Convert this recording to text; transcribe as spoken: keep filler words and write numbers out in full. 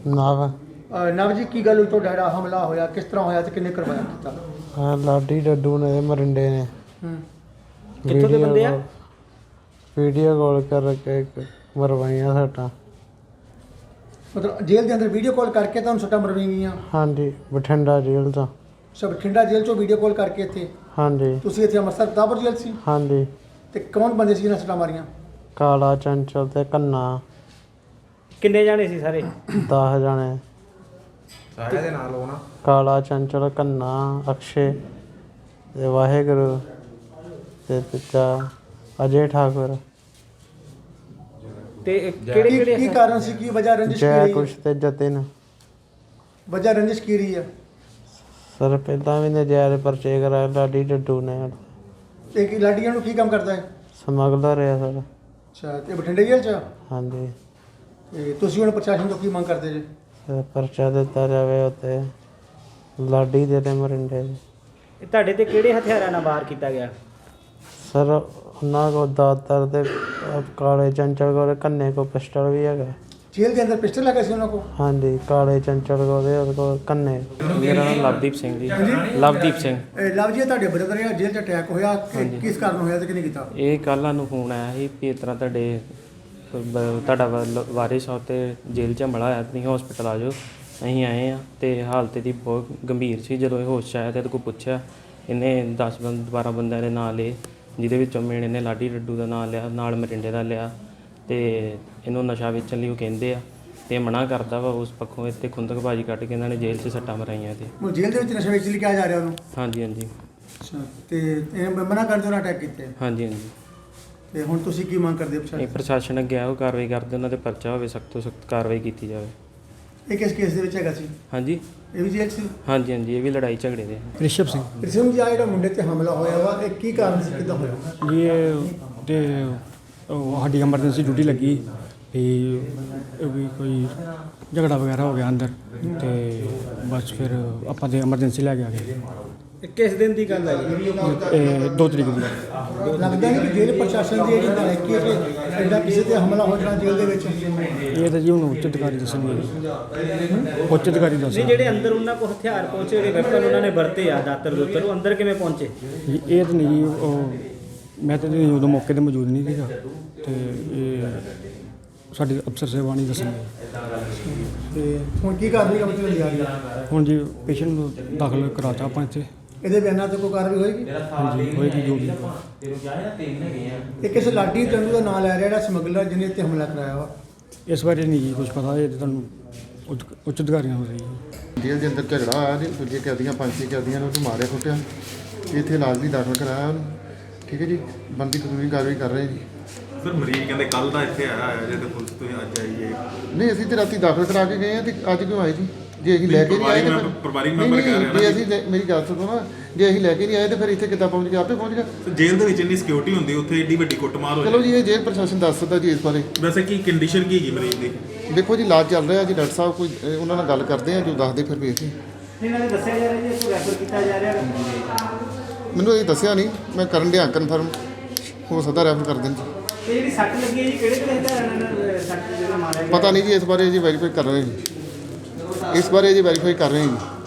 ਨਵ ਅ, ਨਵ ਜੀ ਕੀ ਗੱਲ ਹੋਈ ਤੁਹਾਡਾ ਜਿਹੜਾ ਹਮਲਾ ਹੋਇਆ ਕਿਸ ਤਰ੍ਹਾਂ ਹੋਇਆ ਤੇ ਕਿੰਨੇ ਕਰਵਾਇਆ ਕੀਤਾ? ਹਾਂ ਲਾਡੀ ਡੱਡੂ ਨੇ ਤੇ ਮਰਿੰਡੇ ਨੇ ਹੂੰ ਕਿੱਥੋਂ ਦੇ ਬੰਦੇ ਆ? ਵੀਡੀਓ ਕਾਲ ਕਰਕੇ ਇੱਕ ਮਰਵਾਈਆਂ ਸੱਟਾਂ। ਮਤਲਬ ਜੇਲ੍ਹ ਦੇ ਅੰਦਰ ਵੀਡੀਓ ਕਾਲ ਕਰਕੇ ਤੁਹਾਨੂੰ ਸੱਟਾਂ ਮਰਵਾਈਆਂ ਗਈਆਂ? ਹਾਂਜੀ ਬਠਿੰਡਾ ਜੇਲ੍ਹ ਤੋਂ। ਸਭ ਬਠਿੰਡਾ ਜੇਲ੍ਹ ਚੋਂ ਵੀਡੀਓ ਕਾਲ ਕਰਕੇ ਇੱਥੇ ਹਾਂਜੀ ਤੁਸੀਂ ਇੱਥੇ ਅੰਮ੍ਰਿਤਸਰ ਦਾਬਰ ਜੇਲ੍ਹ ਸੀ? ਹਾਂਜੀ। ਤੇ ਕੌਣ ਬੰਦੇ ਸੀ ਜਿਹਨਾਂ ਸੱਟਾਂ ਮਾਰੀਆਂ? ਕਾਲਾ ਚੰਚਲ ਤੇ ਕੰਨਾ ਕਿੰਨੇ ਜਾਣੇ ਸੀ ਸਾਰੇ? ਦਸ ਜਾਣੇ। ਸਾਰਿਆਂ ਦੇ ਨਾਲ ਹੋਣਾ। ਕਾਲਾ ਚੰਚਲ ਕੰਨਾ ਅਕਸ਼ੇ ਤੇ ਵਾਹਿਗੁਰੂ ਤੇ ਤੀਜਾ ਅਜੇ ਠਾਕੁਰ। ਤੇ ਕਿਹੜੇ ਕੀ ਕਿਹੜੇ ਕੀ ਕਾਰਨ ਸੀ ਕੀ ਵਜ੍ਹਾ ਰੰਜਿਸ਼ ਕੀ ਜੈ ਰਹੀ ਕੁਸ਼ ਤੇ ਜਤਿਨ। ਵਜ੍ਹਾ ਰੰਜਿਸ਼ ਕੀ ਰਹੀ ਹੈ? ਸਰ ਪਹਿਲਾਂ ਵੀ ਨਜਾਇਜ਼ ਪਰਚੇ ਕਰਾਏ ਲਾਡੀ ਡੱਡੂ ਨੇ। ਇਹ ਕੀ ਲਾਡੀਆਂ ਨੂੰ ਕੀ ਕੰਮ ਕਰਦਾ ਹੈ? ਸਮਗਲਰ ਹੈ ਸਰ। ਅੱਛਾ ਤੇ ਬਠਿੰਡੇ ਜੇਲ੍ਹ 'ਚ? ਹਾਂਜੀ। ਤੇ ਤੁਸੀਂ ਹੁਣ ਪ੍ਰਸ਼ਾਸਨ ਤੋਂ ਕੀ ਮੰਗ ਕਰਦੇ ਜੇ? ਸਰ ਪਰਚਾ ਦਿੱਤਾ ਜਾਵੇ ਉੱਤੇ ਲਾਡੀ ਦੇ ਤੇ ਮਰਿੰਡੇ ਦੇ। ਇਹ ਤੁਹਾਡੇ ਤੇ ਕਿਹੜੇ ਹਥਿਆਰਾਂ ਨਾਲ ਵਾਰ ਕੀਤਾ ਗਿਆ? ਸਰ ਉਹਨਾਂ ਕੋਲ ਦਾਤਰ ਤੇ ਅਹ ਕਾਲੇ ਚੰਚਲ ਕੋਲ ਕੰਨੇ ਕੋ ਪਿਸਟਲ ਵੀ ਹੈਗਾ। ਜੇਲ੍ਹ ਦੇ ਅੰਦਰ ਪਿਸਟਲ ਲੱਗਾ ਸੀ ਉਹਨਾਂ ਕੋਲ? ਹਾਂਜੀ ਕਾਲੇ ਚੰਚਲ ਕੋਲ ਤੇ ਉਹਦੇ ਕੋਲ ਕੰਨੇ। ਮੇਰਾ ਨਾਮ ਲਵਦੀਪ ਸਿੰਘ ਜੀ। ਲਵਦੀਪ ਸਿੰਘ। ਇਹ ਲਵ ਜੀ ਤੁਹਾਡੇ ਬ੍ਰਦਰ ਆ ਜੇਲ੍ਹ 'ਚ ਅਟੈਕ ਹੋਇਆ ਕਿ- ਕਿਸ ਕਾਰਨ ਹੋਇਆ ਤੇ ਕਿਹਨੇ ਕੀਤਾ? ਇਹ ਕੱਲ੍ਹ ਸਾਨੂੰ ਫੋਨ ਆਇਆ ਸੀ ਵੀ ਇਸ ਤਰ੍ਹਾਂ ਤੁਹਾਡੇ ਬ- ਤੁਹਾਡਾ ਵਾ- ਵਾਰਿਸ ਆ ਤੇ ਜੇਲ੍ਹ 'ਚ ਹਮਲਾ ਹੋਇਆ, ਤੁਸੀਂ ਹਸਪੀਟਲ ਆ ਜਾਓ। ਅਸੀਂ ਆਏ ਆ ਤੇ ਹਾਲਤ ਇਹਦੀ ਬਹੁਤ ਗੰਭੀਰ ਸੀ। ਜਦੋਂ ਇਹ ਹੋਸ਼ 'ਚ ਆਇਆ ਤੇ ਇਹਦੇ ਕੋਲ ਪੁੱਛਿਆ, ਇਹਨੇ ਦਸ ਬੰਦ ਬਾਰਾਂ ਬੰਦਿਆਂ ਦੇ ਨਾਂ ਲਏ, ਜਿਹਦੇ ਵਿੱਚੋਂ ਮੇਨ ਇਹਨੇ ਲਾਡੀ ਡੱਡੂ ਦਾ ਨਾਂ ਲਿਆ, ਨਾਲ ਮਰਿੰਡੇ ਦਾ ਲਿਆ ਤੇ ਇਹਨੂੰ ਨਸ਼ਾ ਵੇਚਣ ਲਈ ਉਹ ਕਹਿੰਦੇ ਆ ਤੇ ਮਨਾ ਕਰਦਾ ਵਾ। ਉਸ ਪੱਖੋਂ ਇੱਥੇ ਖੁੰਦਕਬਾਜੀ ਕੱਢ ਕੇ ਇਹਨਾਂ ਨੇ ਜੇਲ੍ਹ 'ਚ ਸੱਟਾਂ ਮਰਾਈਆਂ ਤੇ। ਉਹ ਜੇਲ੍ਹ ਦੇ ਵਿੱਚ ਨਸ਼ਾ ਵੇਚ ਲਈ ਕਿਹਾ ਜਾ ਰਿਹਾ ਉਹਨੂੰ? ਹਾਂਜੀ ਹਾਂਜੀ ਅੱਛਾ ਤੇ ਇਹ ਮਨਾ ਕਰਦੇ ਉਹਨਾਂ ਅਟੈਕ ਕੀਤੇ ਹਾਂਜੀ ਹਾਂਜੀ। ਤੇ ਹੁਣ ਤੁਸੀਂ ਕੀ ਮੰਗ ਕਰਦੇ ਹੋ ਇਹ ਪ੍ਰਸ਼ਾਸਨ? ਪ੍ਰਸ਼ਾਸਨ ਅੱਗੇ ਆਓ, ਕਾਰਵਾਈ ਕਰਦੇ, ਉਹਨਾਂ ਤੇ ਪਰਚਾ ਹੋਵੇ, ਸਖਤ ਤੋਂ ਸਖਤ ਕਾਰਵਾਈ ਕੀਤੀ ਜਾਵੇ। ਇਹ ਕਿਸ ਕੇਸ ਦੇ ਵਿੱਚ ਹੈਗਾ ਸੀ? ਹਾਂਜੀ ਇਹ ਵੀ ਜੇਲ੍ਹ ਸੀ? ਹਾਂਜੀ ਹਾਂਜੀ, ਇਹ ਵੀ ਲੜਾਈ ਝਗੜੇ ਦੇ। ਰਿਸ਼ਵ ਸਿੰਘ ਰਿਸ਼ਮ ਜੀ ਆ ਜਿਹੜਾ ਮੁੰਡੇ ਤੇ ਹਮਲਾ ਹੋਇਆ ਵਾ ਇਹ ਕੀ ਕਾਰਨ ਸੀ ਕਿੱਦਾਂ ਹੋਇਆ? ਜੀ ਇਹ ਤੇ ਉਹ ਸਾਡੀ ਐਮਰਜੈਂਸੀ ਡਿਊਟੀ ਲੱਗੀ ਵੀ ਇਹ ਵੀ ਕੋਈ ਝਗੜਾ ਵਗੈਰਾ ਹੋ ਗਿਆ ਅੰਦਰ ਤੇ ਬਸ ਫਿਰ ਆਪਾਂ ਤੇ ਐਮਰਜੈਂਸੀ ਲੈ ਕੇ ਆ ਗਏ। ਇਹ ਕਿਸ ਦਿਨ ਦੀ ਗੱਲ ਹੈ ਜੀ? ਇਹ ਦੋ ਤਰੀਕ ਦੀ ਲੱਗਦਾ ਨਹੀਂ ਕਿ ਜੇਲ੍ਹ ਪ੍ਰਸ਼ਾਸਨ ਦੀ ਜਿਹੜੀ ਨਲਾਇਕੀ ਹੈ ਕਿ ਐਡਾ ਕਿਸੇ ਤੇ ਹਮਲਾ ਹੋ ਜਾਣਾ ਜੇਲ੍ਹ ਦੇ ਵਿੱਚ? ਇਹ ਤਾਂ ਜੀ ਹੁਣ ਉੱਚ ਅਧਿਕਾਰੀ ਦੱਸਣਗੇ। ਉੱਚ ਅਧਿਕਾਰੀ ਨਹੀਂ, ਦੱਸਣਗੇ। ਜਿਹੜੇ ਅੰਦਰ ਉਹਨਾਂ ਕੋਲ ਹਥਿਆਰ ਪਹੁੰਚੇ, ਜਿਹੜੇ ਵੈਪਨ ਉਹਨਾਂ ਨੇ ਵਰਤੇ ਆ, ਦਾਤਰ ਦੁੱਤਰ, ਉਹ ਅੰਦਰ ਕਿਵੇਂ ਪਹੁੰਚੇ? ਜੀ ਇਹ ਤਾਂ ਨਹੀਂ ਜੀ ਉਹ ਮੈਂ ਤਾਂ ਨਹੀਂ ਉਦੋਂ ਮੌਕੇ 'ਤੇ ਮੌਜੂਦ ਨਹੀਂ ਸੀਗਾ ਤੇ ਇਹ ਸਾਡੇ ਅਫਸਰ ਸਾਹਿਬਾਨ ਹੀ ਦੱਸਣਗੇ। ਤੇ ਹੁਣ ਕੀ ਕਾਰਵਾਈ ਕੰਮ ਚੱਲੀ ਜਾ ਰਹੀ ਹੈ? ਹੁਣ ਜੀ ਪੇਸ਼ੈਂਟ ਨੂੰ ਦਾਖਲ ਕਰਾਤਾ ਆਪਾਂ ਇੱਥੇ। ਇਹਦੇ ਬਿਆਨਾਂ ਤੇ ਕੋਈ ਕਾਰਵਾਈ ਹੋਏਗੀ? ਹਾਂਜੀ ਹੋਏਗੀ ਜੋ ਵੀ। ਇਹ ਕਿਸੇ ਲਾਡੀ ਚੰਦੂ ਦਾ ਨਾਮ ਲੈ ਰਿਹਾ ਜਿਹੜਾ ਸਮਗਲਰ ਜਿਹਨੇ ਇੱਥੇ ਹਮਲਾ ਕਰਾਇਆ ਵਾ? ਇਸ ਬਾਰੇ ਨਹੀਂ ਜੀ ਕੁਝ ਪਤਾ, ਇਹ ਤਾਂ ਤੁਹਾਨੂੰ ਉੱਚ ਉੱਚ ਅਧਿਕਾਰੀਆਂ ਨੂੰ ਰਹੀ। ਜੇਲ੍ਹ ਦੇ ਅੰਦਰ ਝਗੜਾ ਹੋਇਆ ਤੇ ਦੂਜੇ ਕੈਦੀਆਂ ਪੰਜ ਛੇ ਕੈਦੀਆਂ ਨੂੰ ਉਹਨੂੰ ਮਾਰਿਆ ਕੁੱਟਿਆ। ਇੱਥੇ ਇਲਾਜ ਵੀ ਦਾਖਲ ਕਰਾਇਆ ਉਹਨੂੰ। ਠੀਕ ਹੈ ਜੀ, ਬਣਦੀ ਕਾਨੂੰਨੀ ਕਾਰਵਾਈ ਕਰ ਰਹੇ ਜੀ। ਸਰ ਮਰੀਜ਼ ਕਹਿੰਦੇ ਕੱਲ ਦਾ ਇੱਥੇ ਆਇਆ ਹੋਇਆ ਜੇ ਤੇ ਪੁਲਿਸ ਤੁਸੀਂ ਅੱਜ ਆਈਏ। ਨਹੀਂ ਅਸੀਂ ਤੇ ਰਾਤੀ ਦਾਖਲ ਕਰਾ ਕੇ ਗਏ ਆ ਤੇ ਅੱਜ ਕਿਉਂ ਆਏ ਜੀ? ਜੇ ਅਸੀਂ ਲੈ ਕੇ ਨਹੀਂ ਆਏ ਤਾਂ ਫਿਰ- ਪਰਿਵਾਰਿਕ ਨਹੀਂ, ਮੈਂਬਰ ਕਹਿ ਨਹੀਂ, ਰਹੇ ਜੇ ਨਾ ਅਸੀਂ ਲੈ- ਮੇਰੀ ਗੱਲ ਸੁਣੋ ਨਾ, ਜੇ ਅਸੀਂ ਲੈ ਕੇ ਨਹੀਂ ਆਏ ਤਾਂ ਫਿਰ ਇੱਥੇ ਕਿੱਦਾਂ ਪਹੁੰਚ ਗਿਆ? ਆਪੇ ਪਹੁੰਚ ਗਿਆ। ਸਰ ਜੇਲ੍ਹ ਦੇ ਵਿੱਚ ਇੰਨੀ ਸਿਕਿਉਰਿਟੀ ਹੁੰਦੀ, ਉੱਥੇ ਏਡੀ ਵੱਡੀ ਕੁੱਟਮਾਰ ਹੋ ਚਲੋ ਜੀ ਇਹ ਜੇਲ੍ਹ ਪ੍ਰਸ਼ਾਸਨ ਦੱਸ ਸਕਦਾ ਜੀ ਇਸ ਬਾਰੇ। ਵੈਸੇ ਕੀ ਕੰਡੀਸ਼ਨ ਕੀ ਹੈਗੀ ਮਰੀਜ਼ ਦੀ? ਦੇਖੋ ਜੀ ਇਲਾਜ ਚੱਲ ਰਿਹਾ ਜੀ, ਡਾਕਟਰ ਸਾਹਿਬ ਕੋਈ ਅਹ, ਉਹਨਾਂ ਨਾਲ ਗੱਲ ਕਰਦੇ ਆ, ਜੋ ਦੱਸਦੇ ਫਿਰ ਵੇਖਦੇ। ਇਹਨਾਂ ਨੇ ਦੱਸਿਆ ਜਾ ਰਿਹਾ ਜੀ ਇਸ ਨੂੰ ਰੈਫਰ ਕੀਤਾ ਜਾ ਰਿਹਾ। ਮੈਨੂੰ ਇਹ ਦੱਸਿਆ ਨਹੀਂ, ਮੈਂ ਕਰਨ ਡਿਆ ਕਨਫਰਮ, ਹੋ ਸਕਦਾ ਰੈਫਰ ਕਰ ਦੇਣ ਜੀ। ਇਹ ਜਿਹੜੀ ਸੱਟ ਲੱਗੀ ਹੈ ਜੀ, ਕਿਹੜੇ ਕਿਹੜੇ ਹਥਿਆਰਾਂ ਨਾਲ ਸੱਟ ਜਿਹੜਾ ਮਾਰਿਆ ਗਿਆ? ਪਤਾ ਨਹੀਂ ਜੀ, ਇਸ ਬਾਰੇ ਜੀ ਵੈਰੀਫਾਈ ਕਰ ਰਹੇ ਜੀ। ਇਸ ਬਾਰੇ ਜੀ ਵੈਰੀਫਾਈ ਕਰ ਰਹੇ ਜੀ।